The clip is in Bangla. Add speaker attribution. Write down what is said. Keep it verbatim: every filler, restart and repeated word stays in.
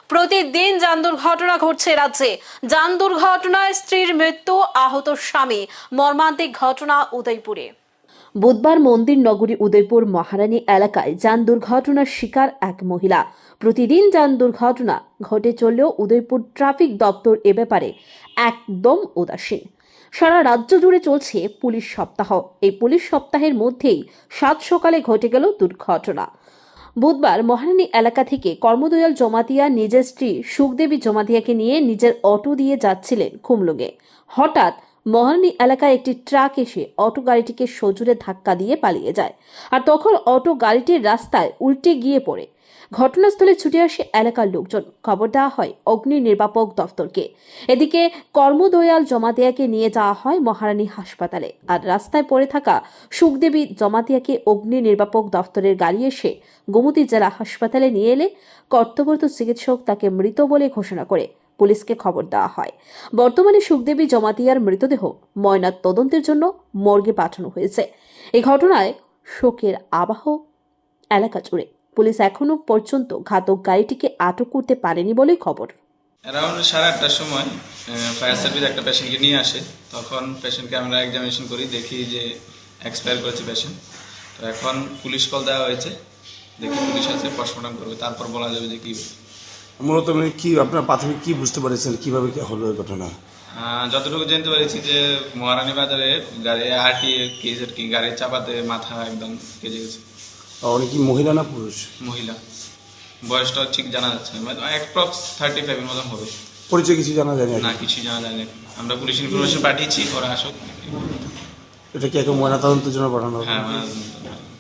Speaker 1: প্রতিদিন যান দুর্ঘটনা ঘটছে রাজ্যে। যান দুর্ঘটনায় স্ত্রীর মৃত্যু, আহত স্বামী। মর্মান্তিক ঘটনা উদয়পুরে। বুধবার মন্দির নগরী উদয়পুর মহারানী এলাকায় যান দুর্ঘটনার শিকার এক মহিলা। প্রতিদিন যান দুর্ঘটনা ঘটে চললেও উদয়পুর ট্রাফিক দপ্তর এ ব্যাপারে একদম উদাসীন। সারা রাজ্য জুড়ে চলছে পুলিশ সপ্তাহ। এই পুলিশ সপ্তাহের মধ্যেই সাত সকালে ঘটে গেল দুর্ঘটনা। বুধবার মহারানী এলাকা থেকে কর্মদয়াল জমাতিয়া নিজের স্ত্রী সুখদেবী জমাতিয়াকে নিয়ে নিজের অটো দিয়ে যাচ্ছিলেন খুমলুঙে। হঠাৎ মহারানী এলাকায় একটি ট্রাক এসে অটো গাড়িটিকে সজোরে ধাক্কা দিয়ে পালিয়ে যায়। আর তখন অটো গাড়িটির রাস্তায় উল্টে গিয়ে পড়ে। ঘটনাস্থলে ছুটে আসে এলাকার লোকজন। খবর দেওয়া হয় অগ্নি নির্বাপক দফতরকে। এদিকে কর্মদয়াল জমাতিয়াকে নিয়ে যাওয়া হয় মহারানী হাসপাতালে। আর রাস্তায় পড়ে থাকা সুখদেবী জমাতিয়াকে অগ্নি নির্বাপক দফতরের গাড়ি এসে গোমতী জেলা হাসপাতালে নিয়ে এলে কর্তব্যরত চিকিৎসক তাকে মৃত বলে ঘোষণা করে পুলিশকে খবর দেওয়া হয়। বর্তমানে সুখদেবী জমাতিয়ার মৃতদেহ ময়নাত তদন্তের জন্য মর্গে পাঠানো হয়েছে। এই ঘটনায় শোকের আবহ এলাকা জুড়ে। পুলিশ এখনো পর্যন্ত ঘাতক গাড়িটিকে আটক করতে পারেনি বলে খবর।
Speaker 2: অ্যারাউন্ড সাড়ে আটটার সময় ফায়ার সার্ভিস একটা পেশেন্টকে নিয়ে আসে। তখন পেশেন্টকে আমরা এক্সামিনেশন করি, দেখি যে এক্সপায়ার করেছে পেশেন্ট। তো এখন পুলিশ কল দেওয়া হয়েছে, দেখি পুলিশ আছে, পোস্টমর্টম করবে, তারপর বলা যাবে যে কী।
Speaker 3: মূলত মানে কি আপনার প্রাথমিক কি বুঝতে পেরেছেন, কিভাবে কি হলো এই ঘটনা?
Speaker 2: যতটুকু জানতে পেরেছি যে মহারানী বাজারে গাড়ি আরটিএ কেস আর কি, গাড়ির চাপাতে মাথা একদম কেজে গেছে।
Speaker 3: উনি কি মহিলা না পুরুষ?
Speaker 2: মহিলা, বয়সটা ঠিক জানা যাচ্ছে না, অ্যাপ্রক্স থার্টি ফাইভের মতন হবে।
Speaker 3: পরিচয় কিছু জানা যায়
Speaker 2: না, কিছু জানা যায় না। আমরা পুলিশ ইনফরমেশন পাঠিয়েছি, ওরা আসুক।
Speaker 3: এটা কি এখন ময়নাতদন্তের জন্য পাঠানো হবে?
Speaker 2: হ্যাঁ।